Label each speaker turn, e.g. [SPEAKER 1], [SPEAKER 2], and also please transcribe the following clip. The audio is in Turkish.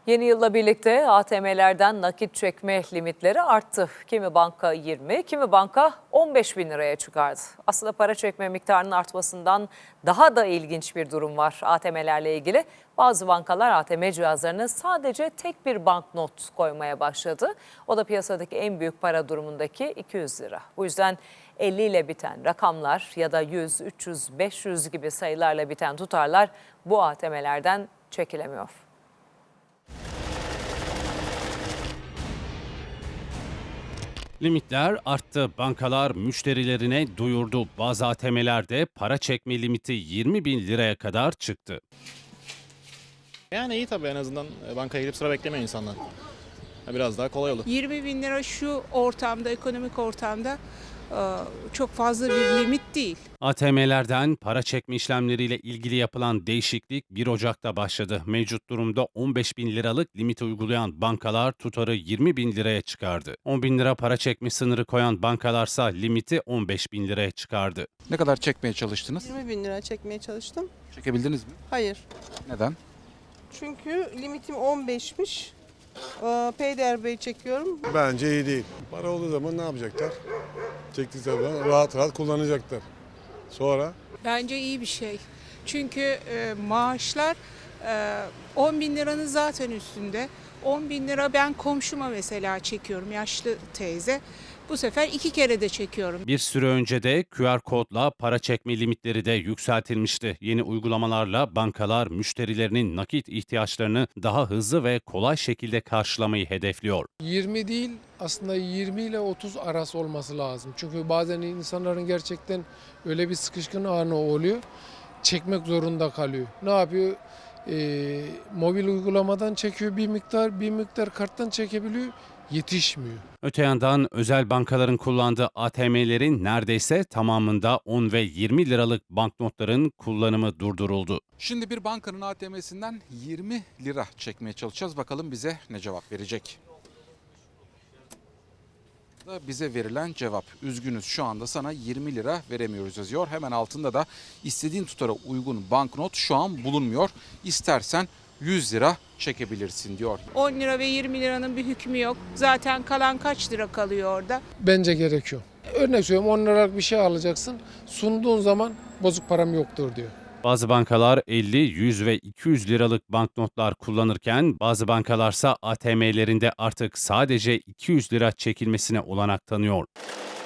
[SPEAKER 1] Yeni yılla birlikte ATM'lerden nakit çekme limitleri arttı. Kimi banka 20, kimi banka 15 bin liraya çıkardı. Aslında para çekme miktarının artmasından daha da ilginç bir durum var ATM'lerle ilgili. Bazı bankalar ATM cihazlarına sadece tek bir banknot koymaya başladı. O da piyasadaki en büyük para durumundaki 200 lira. Bu yüzden 50 ile biten rakamlar ya da 100, 300, 500 gibi sayılarla biten tutarlar bu ATM'lerden çekilemiyor.
[SPEAKER 2] Limitler arttı. Bankalar müşterilerine duyurdu. Bazı ATM'lerde para çekme limiti 20 bin liraya kadar çıktı.
[SPEAKER 3] Yani iyi tabii, en azından bankaya gidip sıra beklemiyor insanlar. Biraz daha kolay olur.
[SPEAKER 4] 20 bin lira şu ortamda, ekonomik ortamda çok fazla bir limit değil.
[SPEAKER 2] ATM'lerden para çekme işlemleriyle ilgili yapılan değişiklik 1 Ocak'ta başladı. Mevcut durumda 15 bin liralık limiti uygulayan bankalar tutarı 20 bin liraya çıkardı. 10 bin lira para çekme sınırı koyan bankalarsa limiti 15 bin liraya çıkardı.
[SPEAKER 5] Ne kadar çekmeye çalıştınız?
[SPEAKER 6] 20 bin lira çekmeye çalıştım.
[SPEAKER 5] Çekebildiniz mi?
[SPEAKER 6] Hayır.
[SPEAKER 5] Neden?
[SPEAKER 6] Çünkü limitim 15'miş. Peyderpey çekiyorum.
[SPEAKER 7] Bence iyi değil. Para olduğu zaman ne yapacaklar? Çektikleri zaman rahat rahat kullanacaklar. Sonra
[SPEAKER 4] Bence iyi bir şey. Çünkü maaşlar 10 bin liranın zaten üstünde. 10 bin lira ben komşuma mesela çekiyorum, yaşlı teyze. Bu sefer 2 kere de çekiyorum.
[SPEAKER 2] Bir süre önce de QR kodla para çekme limitleri de yükseltilmişti. Yeni uygulamalarla bankalar müşterilerinin nakit ihtiyaçlarını daha hızlı ve kolay şekilde karşılamayı hedefliyor.
[SPEAKER 8] 20 değil, aslında 20 ile 30 arası olması lazım. Çünkü bazen insanların gerçekten öyle bir sıkışkın anı oluyor. Çekmek zorunda kalıyor. Ne yapıyor? Mobil uygulamadan çekiyor bir miktar karttan çekebiliyor. Yetişmiyor.
[SPEAKER 2] Öte yandan özel bankaların kullandığı ATM'lerin neredeyse tamamında 10 ve 20 liralık banknotların kullanımı durduruldu.
[SPEAKER 5] Şimdi bir bankanın ATM'sinden 20 lira çekmeye çalışacağız. Bakalım bize ne cevap verecek? Bize verilen cevap: üzgünüz, şu anda sana 20 lira veremiyoruz yazıyor. Hemen altında da istediğin tutara uygun banknot şu an bulunmuyor. İstersen 100 lira çekebilirsin diyor.
[SPEAKER 4] 10 lira ve 20 liranın bir hükmü yok. Zaten kalan kaç lira kalıyor orada?
[SPEAKER 8] Bence gerekiyor. Örnek söylüyorum, 10 liralık bir şey alacaksın. Sunduğun zaman bozuk param yoktur diyor.
[SPEAKER 2] Bazı bankalar 50, 100 ve 200 liralık banknotlar kullanırken bazı bankalarsa ATM'lerinde artık sadece 200 lira çekilmesine olanak tanıyor.